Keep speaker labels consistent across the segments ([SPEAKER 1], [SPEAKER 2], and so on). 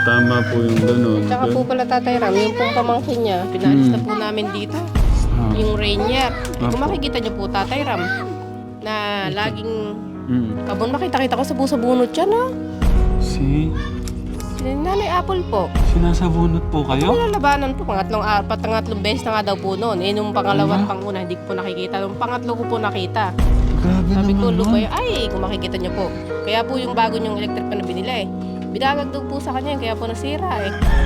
[SPEAKER 1] tama po yung ganun.
[SPEAKER 2] Tsaka po pala Tatay Ram, yung pong pamangkin niya, pinalis na po namin dito. Yung Rainier. Kung makikita niyo po Tatay Ram, na laging kabon makita-kita ko sa busa bunot siya, no?
[SPEAKER 1] Si
[SPEAKER 2] Nanay Apple po.
[SPEAKER 1] sinasabunot po kayo?
[SPEAKER 2] Nilalabanan po, pangatlong beses na nga daw po noon. Eh, nung pangalawa at panguna, hindi ko po nakikita. Nung pangatlo ko po nakita.
[SPEAKER 1] Grabe
[SPEAKER 2] Sabi ko,
[SPEAKER 1] naman, no?
[SPEAKER 2] Lumay, ay, kung makikita niyo po. Kaya po yung bago niyong electric pa na binila eh. Bidagag daw po sa kanya, kaya po nasira eh.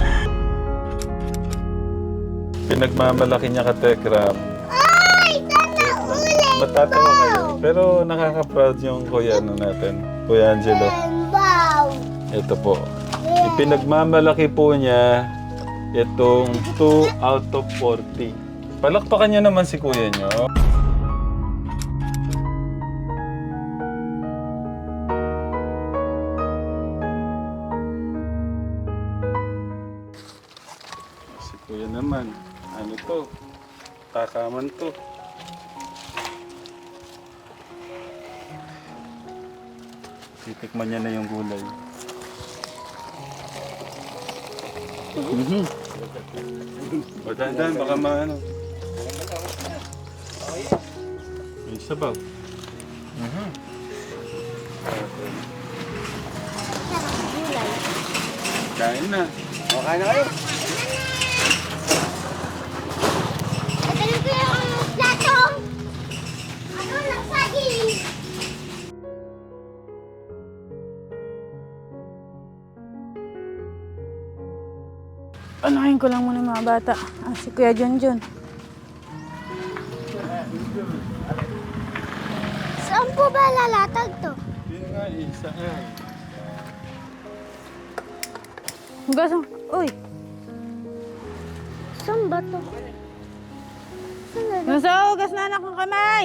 [SPEAKER 1] Pinagmamalaki niya ka, Tekram. Ay! Sana ulit! Matatawa kayo. Pero nakaka-proud yung kuya natin. Kuya Angelo. Ito po. Ipinagmamalaki po niya itong 2 out of 40. Palakpakan niyo naman si kuya niyo. Si kuya naman. Ano to? Takaman to. Titikman niya na yung gulay. Dahan-dahan, baka maano. May sabaw. Kain na.
[SPEAKER 3] O, kain na kayo.
[SPEAKER 4] Anahin ko lang muna yung mga bata. Si Kuya Junjun.
[SPEAKER 5] Saan po ba lalatag to?
[SPEAKER 1] Yun nga, isa nga.
[SPEAKER 4] Hugasan. Uy!
[SPEAKER 5] Saan ba to? Saan na?
[SPEAKER 4] Nasa hugas na anak ng kamay!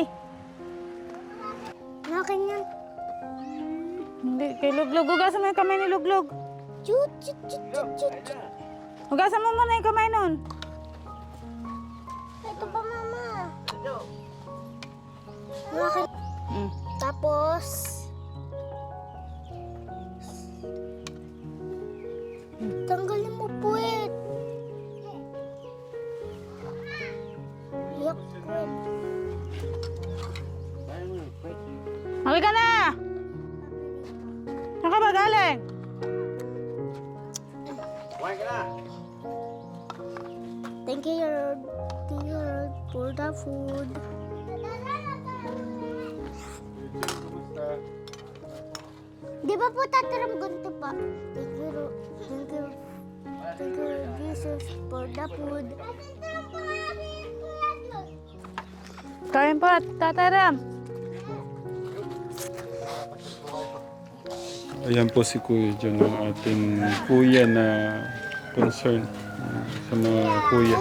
[SPEAKER 5] Nakin yan.
[SPEAKER 4] Hindi, kay Luglog. Hugasan mo yung kamay ni Luglog.
[SPEAKER 5] Chut, chut, chut, chut, chut, chut.
[SPEAKER 4] Hugasan mo muna yung kamay nun.
[SPEAKER 5] Ito pa, mama. Nakin. Tapos, tanggalin mo puwet. Yak, crab.
[SPEAKER 4] Halika na! Saan ka ba galing?
[SPEAKER 3] Kumain ka na.
[SPEAKER 5] Thank you, Lord. Thank you, Lord, for the food. Di ba po tataram ganito pa? Thank you, Lord. Thank you. Thank you, Lord Jesus, for the food.
[SPEAKER 4] Kain po, Tataram.
[SPEAKER 1] Ayan po si Kuya John, ang ating kuya na concern sa mga kuya.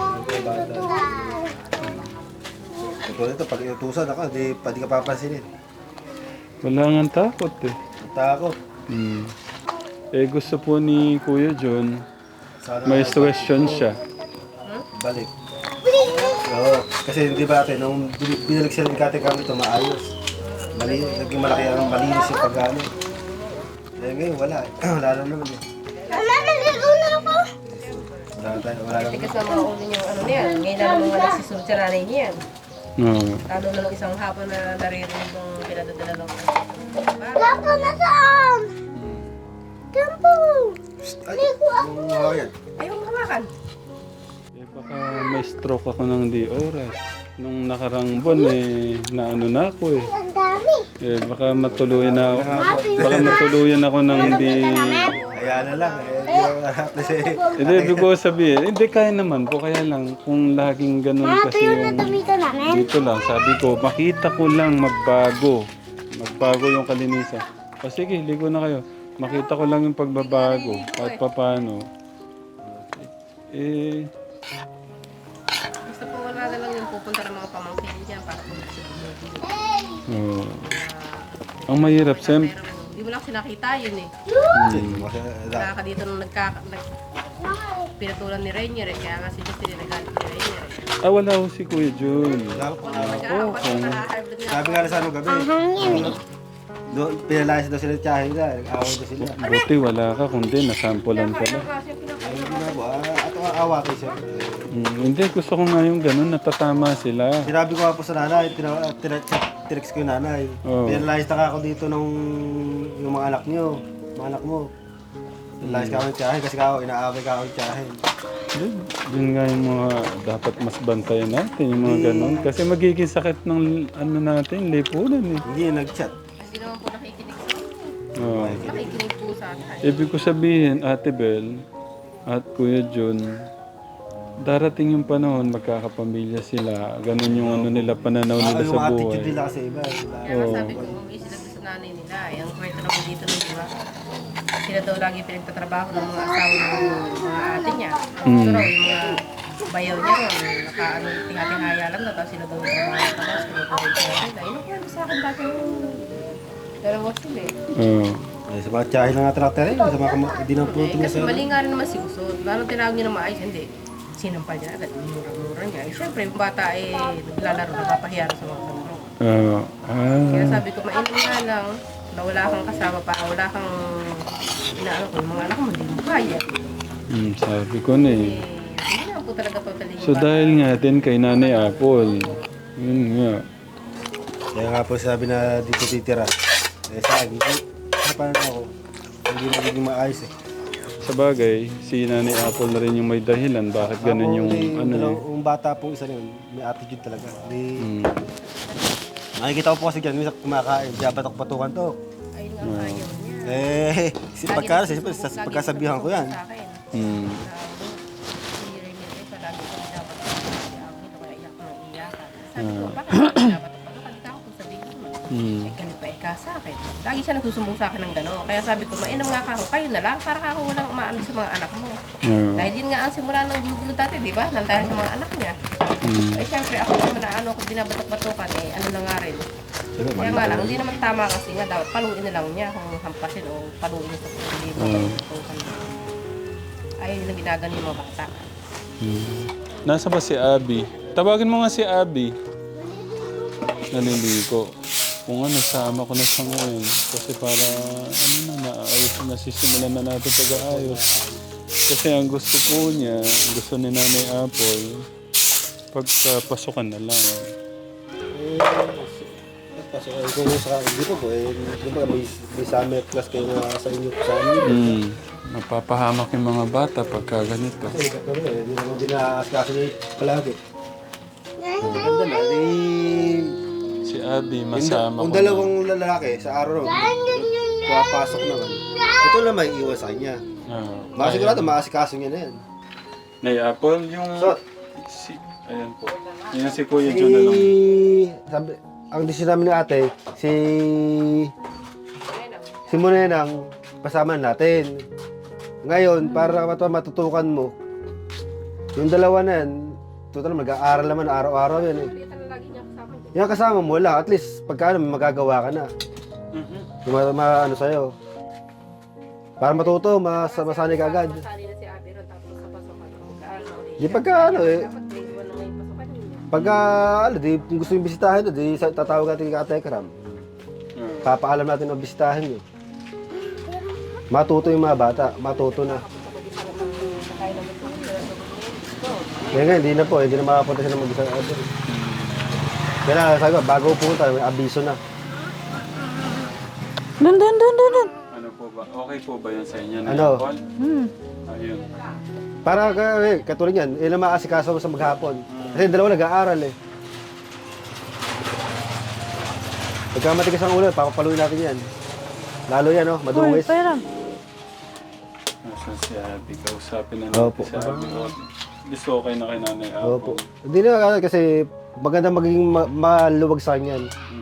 [SPEAKER 3] Ito nito, pag inutusan ako, di ka papansinin.
[SPEAKER 1] Wala nga takot eh.
[SPEAKER 3] Takot.
[SPEAKER 1] Eh gusto po ni Kuya John, may question siya.
[SPEAKER 3] Balik. Oo, kasi di ba ate, nung binalik siya ng kate kami ito, maayos. Naging malaki ang malinis yung pagkano. Eh ngayon, wala. Wala na naman eh.
[SPEAKER 5] Wala, naligo na ako.
[SPEAKER 3] Wala na
[SPEAKER 2] Tigas na mga ulo niyang ano niyan. Ngayon na naman wala si Sultan nanay niyan.
[SPEAKER 1] Oo.
[SPEAKER 2] Lalo na lang isang hapon na naririnig yung pinadadala lang.
[SPEAKER 5] Lapo na saan? Kampo. Ligo ako.
[SPEAKER 3] yan.
[SPEAKER 2] Ayaw mo hawakan.
[SPEAKER 1] Eh baka may stroke ako ng di oras. Nung nakarang buwan eh, naano na ako eh.
[SPEAKER 5] Ang dami.
[SPEAKER 1] Eh baka matuluyan na ako. Baka matuluyan ako ng di...
[SPEAKER 3] Kaya na lang. Hindi ako kasi...
[SPEAKER 1] Hindi, ibig ko sabihin, hindi kaya naman po. Kaya lang, kung laging ganun kasi
[SPEAKER 5] Tuyo na
[SPEAKER 1] yung...
[SPEAKER 5] tumito namin.
[SPEAKER 1] Dito lang, sabi ko, makita ko lang magbago. Magbago yung kalinisan. O sige, ligo na kayo. Makita ko lang yung pagbabago. Kahit paano. Eh,
[SPEAKER 2] Basta po wala na lang yung pupunta ng mga pamangkin niya para po sa
[SPEAKER 1] oh. Ang mahirap, Sem.
[SPEAKER 2] Hindi mo lang sinakita yun eh. Kaka dito nung pinatulan ni Rainier eh. Kaya nga si Justin nagalit ni Rainier eh.
[SPEAKER 1] Wala ko si Kuya Jun.
[SPEAKER 2] Wala nag-aapat na hybrid nga.
[SPEAKER 3] Sabi nga na sa ano gabi.
[SPEAKER 5] Ang hangin eh.
[SPEAKER 3] Pinalayas daw sila tiyahin nila. Nag-away daw sila.
[SPEAKER 1] Buti wala ka, kundi nasampulan ka lang.
[SPEAKER 3] Ayun na po, ato ang awa kayo siya.
[SPEAKER 1] Hindi, gusto ko nga yung ganun, natatama sila.
[SPEAKER 3] Sinabi ko nga po sa nanay, tinext ko yung nanay.
[SPEAKER 1] Oo.
[SPEAKER 3] Pinalayas na ako dito ng yung mga anak niyo, mga anak mo. Pinalayas ka ako ng tiyahin kasi ako, inaaway ka ako ng tiyahin.
[SPEAKER 1] Yun nga yung mga dapat mas bantayan natin, yung mga ganun. Kasi magiging sakit ng ano natin, lipunan eh.
[SPEAKER 3] Hindi yung nag-chat.
[SPEAKER 2] Hindi naman po nakikinig sa akin.
[SPEAKER 1] Oo.
[SPEAKER 2] Nakikinig po sa akin.
[SPEAKER 1] Ibig ko sabihin, Ate Bel at Kuya Jun, darating yung panahon, magkakapamilya sila. Ganun yung ano nila, pananaw nila
[SPEAKER 3] Yung
[SPEAKER 1] sa
[SPEAKER 3] attitude
[SPEAKER 1] buhay.
[SPEAKER 3] nila kasi iba.
[SPEAKER 2] Kaya nga sabi ko, umuwi sila sa nanay nila. Ang kwento na po dito nun, di ba? Sila daw lagi pinagtatrabaho ng mga asawa ng mga ate niya. Pero yung mga bayaw niya ron, tingatihaya lang daw, tapos sila daw yung trabaho. Tapos kinukulit siya nila. Yun ang kwento sa akin dati yung dalawa sila eh.
[SPEAKER 1] Oo.
[SPEAKER 3] Sa mga tiyahin na nga traktor eh, sa mga hindi na po
[SPEAKER 2] Kasi mali nga rin naman si Usod. Lalo tinawag niya na maayos, hindi. Sinampal niya agad, mura-mura niya. Eh, syempre, yung bata eh, naglalaro, nagpapahiyaro sa mga kalaro. Kaya sabi ko, mainam nga lang, na wala kang kasama pa, wala kang inaano ko, yung mga anak mo, hindi mo kaya.
[SPEAKER 1] Sabi ko na eh.
[SPEAKER 2] Hindi naman po talaga totally yung
[SPEAKER 1] So dahil nga din kay Nanay Apple, yun nga.
[SPEAKER 3] Kaya nga po sabi na dito titira. Eh sa akin, paano ako? Hindi magiging maayos eh.
[SPEAKER 1] Sa bagay, si Nanay Apple na rin yung may dahilan bakit ganun yung ano eh.
[SPEAKER 3] Yung bata pong isa yun, may attitude talaga. Nakikita ko po kasi dyan, minsan kumakain, kaya batok-batukan to.
[SPEAKER 2] ayun nga ayaw niya.
[SPEAKER 3] Pagkasabihan ko yan.
[SPEAKER 2] Sa akin.
[SPEAKER 1] Mm.
[SPEAKER 2] Si Remy ay palagi ko dapat ako kaya iyak ko ng iyakan. Sabi ko, bakit dapat pagkakita ako kung sabihin mo? Eh, ganit pa ka sa akin. Lagi siya nagsusumbong sa akin ng gano'n. Kaya sabi ko, mainam nga ka ako, kayo na lang, para ako walang umaano sa mga anak mo. Dahil yun nga ang simula ng gulo dati, di ba? Nang dahil sa mga anak niya. Eh, syempre, ako naman na ano, kung binabatok-batokan, eh, ano na nga rin. Kaya nga lang, hindi naman tama kasi nga dapat paluin na lang niya kung hampasin o paluin niya sa pagkakas. Ayaw nilang ginagano yung mga bata.
[SPEAKER 1] Nasa ba si Abby? Tawagin mo nga si Abby. Naliligo. Kung ano, sama ko na siya ngayon. Kasi para, ano na, naayos na, sisimulan na natin pag-aayos. Kasi ang gusto po niya, gusto ni Nanay Apple, pagpasukan na lang.
[SPEAKER 3] Kung sa dito po, may summer class kayo na sa inyo sa amin.
[SPEAKER 1] Mapapahamak yung mga bata pagka ganito.
[SPEAKER 3] Kasi hindi naman dinaaskaso niya palagi. Ganda na,
[SPEAKER 1] Si Abby, masama
[SPEAKER 3] kung
[SPEAKER 1] ko na.
[SPEAKER 3] dalawang lalaki sa araw, papasok naman. Ito lang may iwan sa kanya. Masigurado, maasikaso niya na yan.
[SPEAKER 1] Nay Apple, yung...
[SPEAKER 3] So,
[SPEAKER 1] Ayan po. Yan si Kuya Jun na lang.
[SPEAKER 3] sabi, ang decision namin ni ate, si Monenang, pasama natin. Ngayon, para matutukan mo, yung dalawa na yan, total mag-aaral naman araw-araw yan eh. Yung kasama mo lang, at least pagka may magagawa ka na. Yung ano sa'yo. Para matuto, masanay ka agad.
[SPEAKER 2] Masali na si Abby ron, tapos sa pasokan, mag-aaral na ulit.
[SPEAKER 3] Di pagka ano eh,
[SPEAKER 2] Dapat may iwan na ngayon pasokan niya.
[SPEAKER 3] pagka di, kung gusto yung bisitahin doon, di tatawag natin kay Ate Ekram. Papaalam natin na bisitahin yun. Matuto yung mga bata, matuto na. Kaya nga, hindi na po, hindi na makapunta sila mag-isa. Kaya sabi ko, bago pumunta, may abiso na.
[SPEAKER 4] Dun.
[SPEAKER 1] Ano po ba? Okay po ba yan sa inyo?
[SPEAKER 3] Ano?
[SPEAKER 1] Ayun.
[SPEAKER 3] Para katulad yan, ilang maasikaso mo sa maghapon. Kasi dalawa nag-aaral eh. Pagka matigas ang ulo, papapaluin natin yan. Lalo yan, no?
[SPEAKER 4] Uy,
[SPEAKER 3] Madungis.
[SPEAKER 4] pera.
[SPEAKER 1] Nasaan si Abby? Kausapin na natin
[SPEAKER 3] Opo.
[SPEAKER 1] si Abby. Gusto okay na kay Nanay Apple.
[SPEAKER 3] Opo. Hindi na kasi maganda magiging maluwag sa kanya.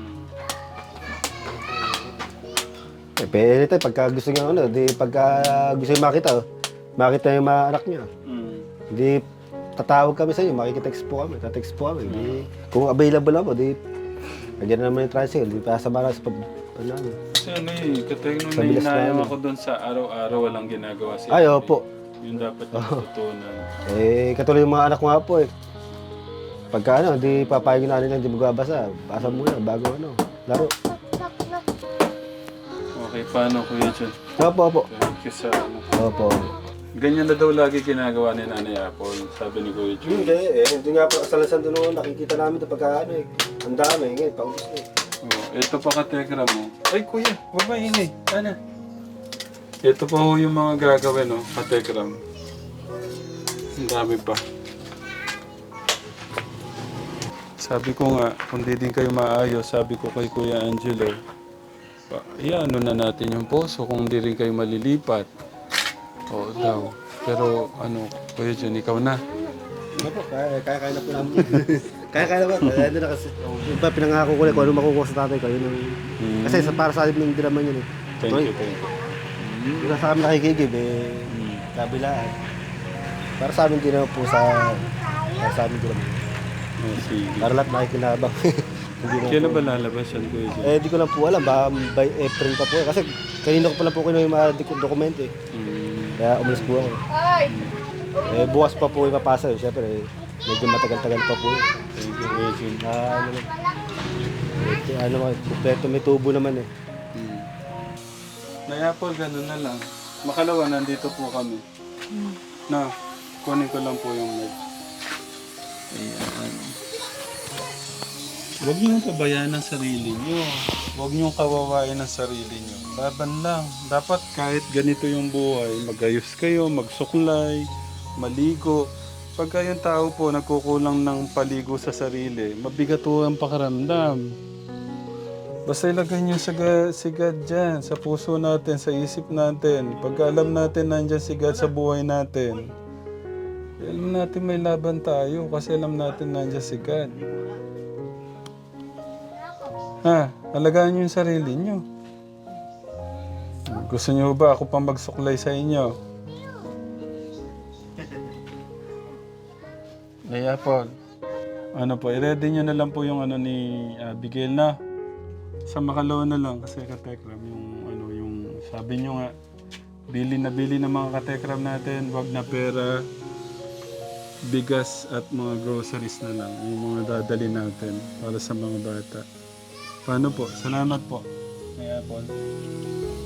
[SPEAKER 3] Eh, pwede tayo pagka gusto niya ano, di pagka gusto niya makita yung mga anak niya. Di tatawag kami sa inyo, makikitext po kami, tatext po kami. Di, kung available ako, di lagyan na naman yung tricycle, di pasama na sa ano.
[SPEAKER 1] Kasi ano eh, katay nung
[SPEAKER 3] Sa bilas na
[SPEAKER 1] nahinayang
[SPEAKER 3] ano.
[SPEAKER 1] ako doon sa araw-araw walang ginagawa si
[SPEAKER 3] Ay,
[SPEAKER 1] Abby.
[SPEAKER 3] opo.
[SPEAKER 1] Yun dapat yung tutunan.
[SPEAKER 3] Eh, katulad yung mga anak ko nga po eh. Pagka ano, di papayag na nila, di magbabasa. Basa muna bago ano, laro.
[SPEAKER 1] Okay, paano Kuya John?
[SPEAKER 3] Opo.
[SPEAKER 1] Thank you sa ano.
[SPEAKER 3] Opo.
[SPEAKER 1] Ganyan na daw lagi ginagawa ni Nanay Apple, sabi ni Kuya John.
[SPEAKER 3] Hindi, hindi nga po kasalasan doon nakikita namin ito pagka ano ang dami, ngayon, paubos na
[SPEAKER 1] Oh, ito pa ka-tekra mo. Ay kuya, huwag maingay. Ano? Ito pa ho yung mga gagawin, no? Ka-tekram. Ang dami pa. Sabi ko nga, kung di din kayo maayos, sabi ko kay Kuya Angelo, ano na natin yung poso kung di rin kayo malilipat. Oo daw. Pero ano, Kuya John, ikaw na.
[SPEAKER 3] Ano po, kaya na po namin. Kaya na po. Ano na kasi, yung pa pinangako ko kung ano makukuha sa tatay ko. Yun ang, kasi para sa amin hindi naman yun eh.
[SPEAKER 1] Thank you, thank you.
[SPEAKER 3] Yung sa amin nakikigib kabilaan. Para sa amin din naman po para sa amin din naman.
[SPEAKER 1] Oh, sige.
[SPEAKER 3] Para lahat nakikinabang. Hindi na
[SPEAKER 1] Kailan
[SPEAKER 3] po.
[SPEAKER 1] ba lalabas yan, Kuya John?
[SPEAKER 3] Di ko lang po alam, baka by April pa po. Kasi kanina ko pa lang po kinuha yung mga dokumento eh. Kaya umalis po ako. Bukas pa po ipapasa yun. Siyempre, medyo matagal-tagal pa po yun.
[SPEAKER 1] Thank you, Kuya John.
[SPEAKER 3] Kompleto may tubo naman eh.
[SPEAKER 1] Naya po, ganun na lang. Makalawa, nandito po kami. Na, kunin ko lang po yung med. Ayan. Huwag niyong pabayaan ang sarili niyo. Huwag niyong kawawain ang sarili niyo. Laban lang. Dapat kahit ganito yung buhay, magayos kayo, magsuklay, maligo. Pagka yung tao po nagkukulang ng paligo sa sarili, mabigat po ang pakaramdam. Basta ilagay niyo si God dyan, sa puso natin, sa isip natin. Pagka alam natin nandyan si God sa buhay natin, alam natin may laban tayo kasi alam natin nandyan si God. Ha? Alagaan niyo yung sarili niyo. Gusto niyo ba ako pang magsuklay sa inyo? Ay, Apple. Ano po, i-ready niyo na lang po yung ano ni Abigail na. Sa makalawa na lang kasi katekram yung sabi niyo nga bili ng mga katekram natin, wag na pera, bigas at mga groceries na lang yung mga dadali natin para sa mga bata. Paano po? Salamat po. Kaya po.